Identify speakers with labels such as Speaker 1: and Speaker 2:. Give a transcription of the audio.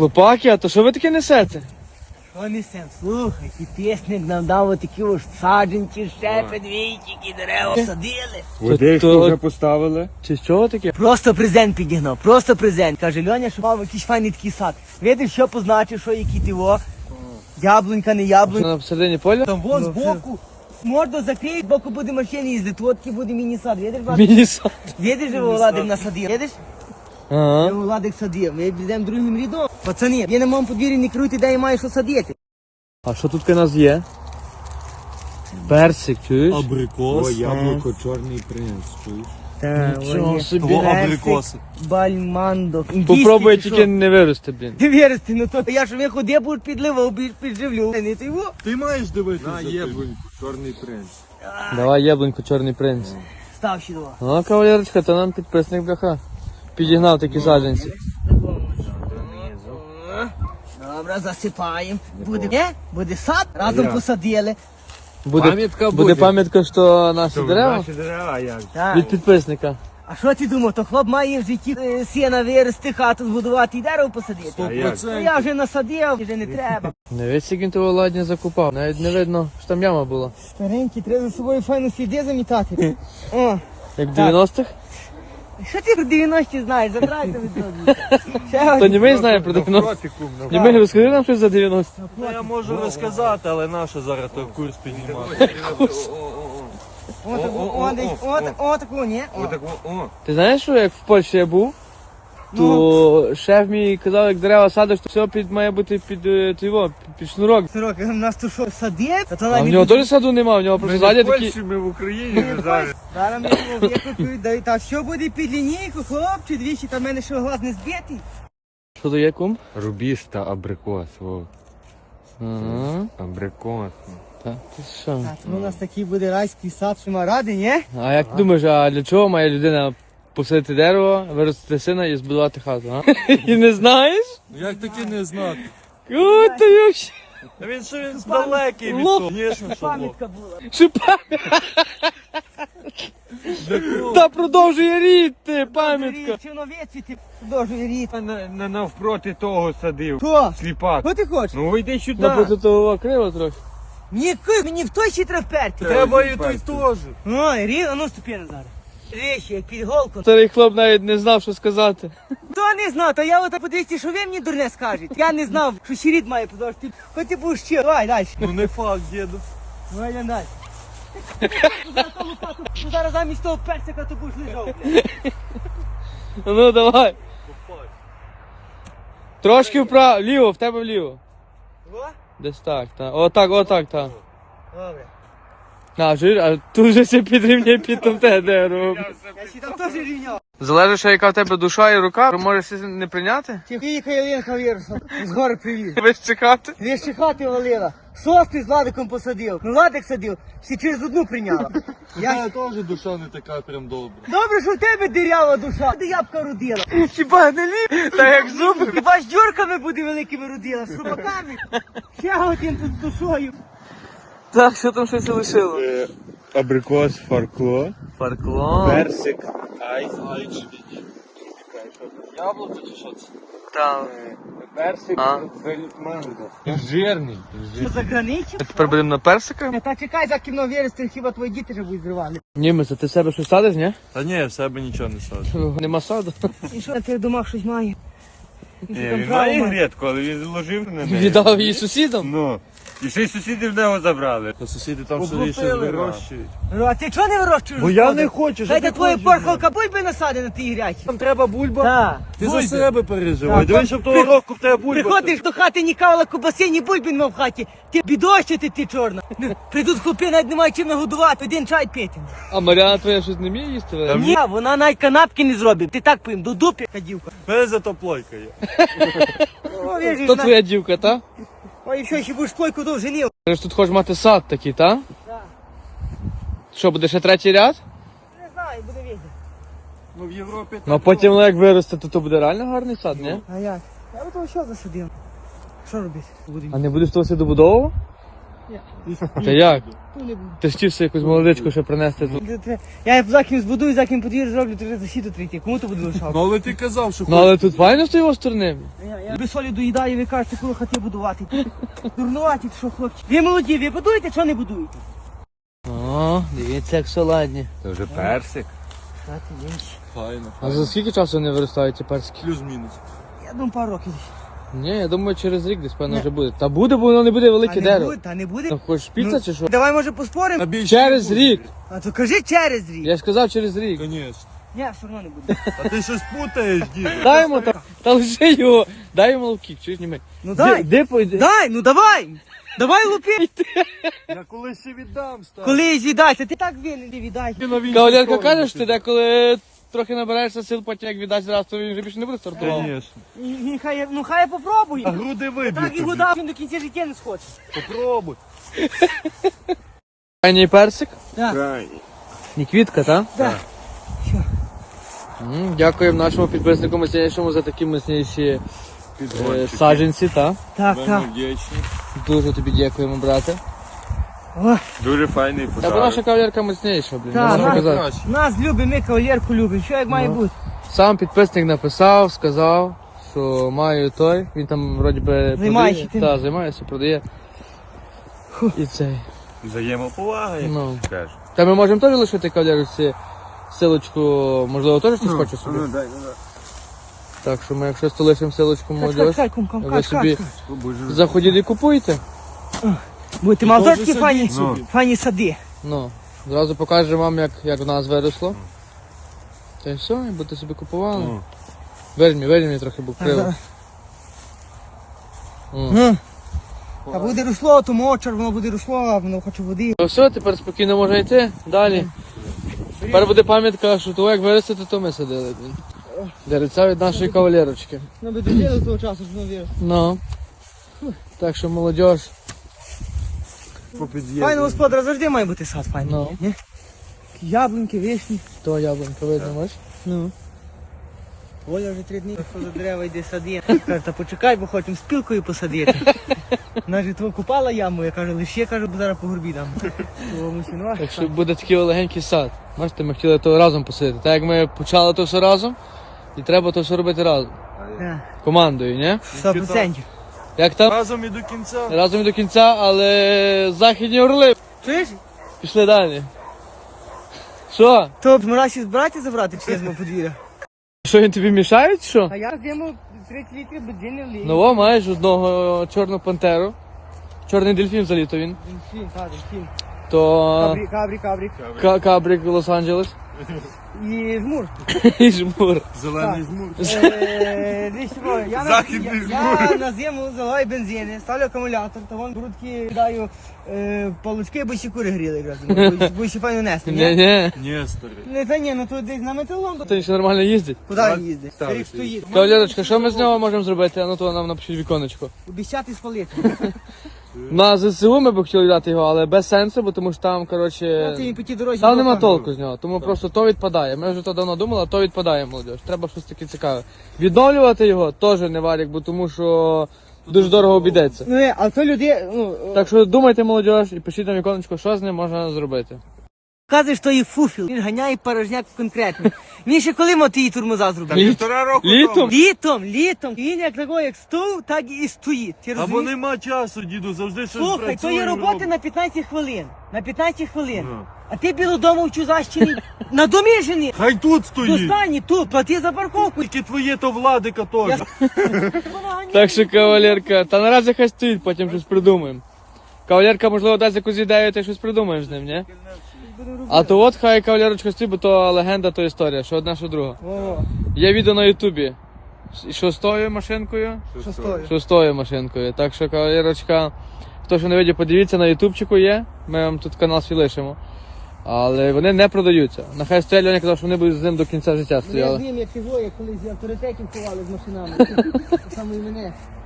Speaker 1: Хлопаки, а то що ви таке несете?
Speaker 2: Що несем? Слухай, підписник нам дав отакі ось саджанці, ще підвійчики, дерева садили.
Speaker 3: Водичку вже поставили.
Speaker 1: Чи з чого таке?
Speaker 2: Просто презент підігнав, просто презент. Каже, Льоня, що мав якийсь файний такий сад. Видиш, що позначив, що який ти во. Яблунька, не яблунька.
Speaker 1: На посередині поля?
Speaker 2: Там вон збоку. Морду закриють, збоку буде машини їздити, от такий буде міні-сад. Видиш, Владик?
Speaker 1: Міні-сад.
Speaker 2: Видиш, що Владик насадив? Видиш?
Speaker 1: Ага.
Speaker 2: Владик садив. Ми йдемо другим рядом. Пацани, я на моєму подвір'ї не керуйте, де я маю що садити.
Speaker 1: А що тут у нас є? Персик, чуєш?
Speaker 3: Абрикос. О, яблуко, чорний принц, чуєш?
Speaker 1: Нічого собі.
Speaker 3: Абрикоси.
Speaker 2: Бальмандо.
Speaker 1: Попробуй тільки не вирости, блін.
Speaker 2: Ти вірити, ну то я ж виходи, будеш підливав, підживлю. Не ти його?
Speaker 3: Ти маєш дивитися на яблуньку, чорний принц.
Speaker 1: Давай яблуньку, чорний принц.
Speaker 2: Став ще два.
Speaker 1: Ну, кавалерочка, то нам підписник бляха. Підігнав такі саджанці.
Speaker 2: Добре, засипаємо. Буде сад, разом посадили.
Speaker 1: Буде пам'ятка, що наші дерева
Speaker 3: Наші дерева, як?
Speaker 2: Так.
Speaker 1: від підписника.
Speaker 2: А що ти думав, то хлоп має в житті сіна вирости, хату збудувати і дерево посадити?
Speaker 3: А як?
Speaker 2: Ну я вже насадив, вже не треба.
Speaker 1: Не весь скільки того ладні закупав. Навіть не видно, що там яма була.
Speaker 2: Старенький, треба за собою файно сліди замітати. О,
Speaker 1: Як в 90-х?
Speaker 2: що ти про 90-ті знаєш? Забирайте від того.
Speaker 1: То не ми знаємо про 90-х. Не ми розкажи нам щось за 90-х.
Speaker 3: Ну, я можу розказати, але наша зараз той курс піднімати.
Speaker 2: Отаку, ні?
Speaker 1: Ти знаєш, що як в Польщі я був, то шеф мій казав, як дерева садиш, то все має бути під шнурок.
Speaker 2: Сирок, у нас тут що, садить?
Speaker 1: А в нього теж саду нема, в нього просто ззаді такі.
Speaker 3: Ми в Україні зараз.
Speaker 2: Зараз ми викупують, та що буде під лінійку, хлопче, двічі, та в мене що глаз не збитий.
Speaker 1: Що то є, кум?
Speaker 3: Рубіж та абрикос, о.
Speaker 1: Ага.
Speaker 3: Абрикос.
Speaker 1: Так, ти що?
Speaker 2: Так, ну у нас такий буде райський сад, що ми раді, ні?
Speaker 1: А як ти думаєш, а для чого має людина посадити дерево, виростити сина і збудувати хату, а? І не знаєш?
Speaker 3: Як таки не знати?
Speaker 1: О, та йош.
Speaker 3: Та він що він далекий від
Speaker 1: Лоб.
Speaker 3: того. Звісно, що лоб.
Speaker 2: Пам'ятка була.
Speaker 1: Шипа. Та продовжує рід, пам'ятка.
Speaker 2: Чиновець ти продовжує рід.
Speaker 3: Не навпроти того садив.
Speaker 2: Хто?
Speaker 3: Сліпак.
Speaker 2: Що ти хочеш?
Speaker 3: Ну йди сюди.
Speaker 1: Напроти того криво трохи.
Speaker 2: Мені в той ще треба вперти.
Speaker 3: Треба і той теж.
Speaker 2: Ой, рід, а ну ступи Назаре. Речі, як під голку.
Speaker 1: Старий хлоп навіть не знав, що сказати.
Speaker 2: Хто не знав, то я от подивіться, що ви мені дурне скажете. Я не знав, що ще рід має продовжити. Хоч ти будеш ще. Давай далі.
Speaker 3: Ну не факт, діду.
Speaker 2: Давай йдемо далі. Зараз замість того персика то будеш лежав.
Speaker 1: Ну давай. Трошки вправо, ліво, в тебе вліво.
Speaker 2: О,
Speaker 1: Десь так, так. Отак, так.
Speaker 2: добре.
Speaker 1: А тут вже все підрівняє під там те дерево.
Speaker 2: Я ще там теж рівняв.
Speaker 1: Залежить, що яка в тебе душа і рука, можеш це не прийняти?
Speaker 2: Тихо, Єленка вірусом. З гори привіз.
Speaker 1: Весь чекати.
Speaker 2: Дві ще хати валила. Шостий з Ладиком посадив. Ну Ладик садив, всі через одну прийняла.
Speaker 3: Я теж душа не така прям добра.
Speaker 2: Добре, що в тебе дирява душа, де ябка родила.
Speaker 1: Хіба не ліп? Та як зуби.
Speaker 2: Хіба ж дюрками буде великими родила, з шубаками. Ще один тут з душою.
Speaker 1: Так, що там щось лишило?
Speaker 3: Абрикос, фаркло,
Speaker 1: Парклон.
Speaker 3: персик, айс,
Speaker 1: Яблуко чи що це? Там.
Speaker 3: персик, манго. Жирний.
Speaker 2: Що за граничі?
Speaker 1: Тепер будемо на персика?
Speaker 2: Та чекай, за кіно вірусти, хіба твої діти вже будуть зривали.
Speaker 1: Німець, а ти в себе щось садиш, ні?
Speaker 3: Та ні, в себе нічого не саджу.
Speaker 1: Нема саду.
Speaker 2: І що ти в домах щось має? І що там
Speaker 3: Він
Speaker 2: право
Speaker 3: має грядку, але він ложив на неї.
Speaker 1: Віддав її сусідам?
Speaker 3: Ну. І ще й сусіди в нього забрали. Та сусіди там собі щось вирощують.
Speaker 2: Ну, а ти чого не вирощуєш?
Speaker 3: Бо я
Speaker 2: господи?
Speaker 3: не хочу, що
Speaker 2: Дайте
Speaker 3: ти
Speaker 2: твоя
Speaker 3: хочеш,
Speaker 2: порхалка бульби насади на тій грячі.
Speaker 3: Там треба бульба.
Speaker 2: Так.
Speaker 3: Ти за себе переживай.
Speaker 2: Так,
Speaker 3: Дивись, щоб того року в тебе бульба.
Speaker 2: Приходиш до хати, ні кавала кубаси, ні бульби нема в хаті. Ти бідощити, ти чорна. Ну, прийдуть хлопи, навіть немає чим нагодувати, один чай пити.
Speaker 1: А Мар'яна твоя щось не вміє їсти? Валя?
Speaker 2: Ні, вона навіть канапки не зробить. Ти так поїм, до дупі, кадівка.
Speaker 3: Мене зато плойка є.
Speaker 2: О, віжиш,
Speaker 1: То твоя дівка, та?
Speaker 2: Ой, що, ще будеш плойку довжини.
Speaker 1: Ти ж тут хочеш мати сад такий, та?
Speaker 2: Так.
Speaker 1: Що, буде ще третій ряд?
Speaker 2: Не знаю, буде видно.
Speaker 3: Ну в Європі
Speaker 1: Ну а потім, як виросте, то буде реально гарний сад, ні?
Speaker 2: А як? Я би того що засадив. Що робити?
Speaker 1: А не будеш того все добудовувати? Та як?
Speaker 2: То не буду.
Speaker 1: Ти ж хотів собі якусь молодичку ще принести тут.
Speaker 2: Я за ким збудую, за ким подвір зроблю, то вже засіду трійти. Кому то буде лишав?
Speaker 3: Ну але ти казав, що
Speaker 1: Ну але тут файно з твоєї сторони.
Speaker 2: Я без солі доїдаю, ви кажете, коли хати будувати. Дурнуваті, що хлопці. Ви молоді, ви будуєте, що не будуєте?
Speaker 1: О, дивіться, як солодні.
Speaker 3: Це вже персик. Файно.
Speaker 1: А за скільки часу вони виростають ці перські?
Speaker 3: Плюс-мінус.
Speaker 2: Я думаю, пару років.
Speaker 1: Ні, я думаю, через рік десь певно вже буде. Та буде, бо воно не буде велике дерево.
Speaker 2: Та не буде.
Speaker 1: Та хочеш піца чи що?
Speaker 2: Давай, може, поспоримо?
Speaker 1: Через рік.
Speaker 2: А то кажи через рік.
Speaker 1: Я ж сказав через рік.
Speaker 3: Звісно.
Speaker 2: Ні, все одно не буде.
Speaker 3: А ти щось путаєш, дід.
Speaker 1: Дай йому та лише його. Дай йому ловкік, чуєш німи.
Speaker 2: Ну дай.
Speaker 1: Де пойде?
Speaker 2: Дай, ну давай. Давай лупи.
Speaker 3: Я колись ще віддам, став.
Speaker 2: Коли віддайся, ти так винен, не віддай.
Speaker 1: Кавалерка каже, що ти деколи трохи набираєшся сил, потім як віддасть раз, то він вже більше не буде стартувати.
Speaker 3: Звісно.
Speaker 2: Хай попробує.
Speaker 3: А груди виб'ють
Speaker 2: Так і
Speaker 3: тобі.
Speaker 2: вода, він до кінця життя не схоче.
Speaker 3: Попробуй.
Speaker 1: Крайній персик.
Speaker 3: Крайній.
Speaker 1: Не квітка, так?
Speaker 2: Так.
Speaker 1: Дякуємо нашому підписнику міцнішому за такі міцніші
Speaker 3: Підгончики.
Speaker 1: саджанці, так?
Speaker 2: Так,
Speaker 3: Вельми
Speaker 2: так.
Speaker 3: вдячні.
Speaker 1: Дуже тобі дякуємо, брате.
Speaker 2: О,
Speaker 3: Дуже файний
Speaker 1: Та бо
Speaker 3: подарунок.
Speaker 1: наша кавалерка міцніша, блін.
Speaker 2: Так,
Speaker 1: не можу
Speaker 2: наша.
Speaker 1: казати.
Speaker 2: Нас любимо, ми кавалерку любимо. Що як має бути?
Speaker 1: Сам підписник написав, сказав, що маю той. Він там вроді би
Speaker 2: Займається тим.
Speaker 1: Так, займається, продає. І цей.
Speaker 3: Взаємоповага, як
Speaker 1: Ну.
Speaker 3: кажуть.
Speaker 1: Та ми можемо теж лишити кавалерці силочку, можливо, теж хтось хоче собі.
Speaker 3: дай.
Speaker 1: Так що ми якщо лишимо силочку молодіж,
Speaker 2: Кай, кум,
Speaker 1: ви собі заходіть і купуйте.
Speaker 2: Будете
Speaker 3: теж
Speaker 2: мазочки
Speaker 3: садіть
Speaker 2: файні,
Speaker 3: собі.
Speaker 2: файні сади.
Speaker 1: Ну, зразу покажемо вам, як в нас виросло. Та й все, і будете собі купували.
Speaker 3: Ну.
Speaker 1: Вельмі трохи був криво.
Speaker 2: А буде росло, то мочар, воно буде росло, а воно хоче води.
Speaker 1: Ну все, тепер спокійно можна йти. Далі. Тепер буде пам'ятка, що того як виростити, то ми садили. Дереця від нашої кавалерочки.
Speaker 2: Ну би дожили того часу, що воно вірить.
Speaker 1: Ну. Так що молодіж.
Speaker 2: Файно, господар, завжди має бути сад файний.
Speaker 1: Ну.
Speaker 2: Ні? Яблуньки, вишні.
Speaker 1: То яблунька видно, бачиш?
Speaker 2: Ну. Оля вже 3 дні до дерева йде сади. Каже, та почекай, бо хочемо спілкою посадити. Вона ж того купала яму, я кажу, лише кажу, бо зараз по горбі дам. Тому що, ну,
Speaker 1: Так що буде такий легенький сад. Бачите, ми хотіли то разом посадити. Так як ми почали то все разом, і треба то все робити разом.
Speaker 2: так,
Speaker 1: Командою, ні?
Speaker 2: 100%.
Speaker 1: Як там?
Speaker 3: Разом і до кінця.
Speaker 1: Разом і до кінця, але західні орли.
Speaker 2: Чуєш?
Speaker 1: Пішли далі. Що?
Speaker 2: То мразі збирати забрати чи я з мого подвір'я?
Speaker 1: Що він тобі мішає, чи що?
Speaker 2: А я з'їмо 30 літрів бензину влію.
Speaker 1: Ну о, маєш одного чорну пантеру. Чорний дельфін за літо він.
Speaker 2: Дельфін, так, дельфін.
Speaker 1: То
Speaker 2: Кабрік.
Speaker 1: кабрик Лос-Анджелес.
Speaker 2: І жмур.
Speaker 1: І жмур.
Speaker 3: Зелений жмур.
Speaker 2: Десь що, я
Speaker 3: Західний
Speaker 2: я на зиму заливаю бензини, ставлю акумулятор, то вон грудки даю палочки, бо ще кури гріли якраз. Бо ще файно нести, ні?
Speaker 1: Ні.
Speaker 3: Ні, старий.
Speaker 2: Не, та ні, ну то десь на металом.
Speaker 1: То він ще нормально їздить.
Speaker 2: Куди він їздить? Старик стоїть.
Speaker 1: Кавалерочка, що ми з нього можемо зробити? А ну то нам напишіть віконечко.
Speaker 2: Обіцяти спалити.
Speaker 1: На ЗСУ ми б хотіли дати його, але без сенсу, бо тому що там,
Speaker 2: Ти
Speaker 1: коротше,
Speaker 2: він по тій дорозі.
Speaker 1: там нема
Speaker 2: пропав.
Speaker 1: толку з нього. Тому просто то відпадає. Ми вже то давно думали, а то відпадає, молодіж. Треба щось таке цікаве. Відновлювати його теж не варік, бо тому що дуже дорого обійдеться.
Speaker 2: Ну, а то люди, ну,
Speaker 1: Так що думайте, молодіж, і пишіть на віконечко, що з ним можна зробити.
Speaker 2: казуєш, що їх фуфіл. Він ганяє порожняк конкретно. Він ще коли мав ті тормоза зробив?
Speaker 3: Півтора року
Speaker 1: Літом?
Speaker 3: тому.
Speaker 2: Літом. Він як такий, як стув, так і стоїть. Ти
Speaker 3: Або
Speaker 2: розумієш?
Speaker 3: нема часу, діду, завжди щось
Speaker 2: Слухай,
Speaker 3: працює.
Speaker 2: то є роботи
Speaker 3: робить.
Speaker 2: на 15 хвилин. На 15 хвилин.
Speaker 3: Ну.
Speaker 2: А ти біло дому в Чузащині. На домі жені.
Speaker 3: Хай тут стоїть.
Speaker 2: Достані тут, плати за парковку.
Speaker 3: Тільки твоє то владика теж.
Speaker 1: Так що, кавалерка, та наразі хай стоїть, потім щось придумаємо. Кавалерка, можливо, дасть якусь ідею, ти щось придумаєш з ним, ні? А то от хай кавалерочка стоїть, бо то легенда, то історія, що одна, що друга.
Speaker 2: О,
Speaker 1: Є відео на Ютубі. Шостою машинкою.
Speaker 2: що стоїть?
Speaker 1: Шостою машинкою. Так що, кавалерочка, хто що не видів, подивіться, на Ютубчику є. Ми вам тут канал свій лишимо. Але вони не продаються. Нехай стоять, Льоня казав, що вони будуть з ним до кінця життя
Speaker 2: Я з
Speaker 1: стояли.
Speaker 2: ним, як його, як колись авторитетів ховали з машинами. Саме і мене.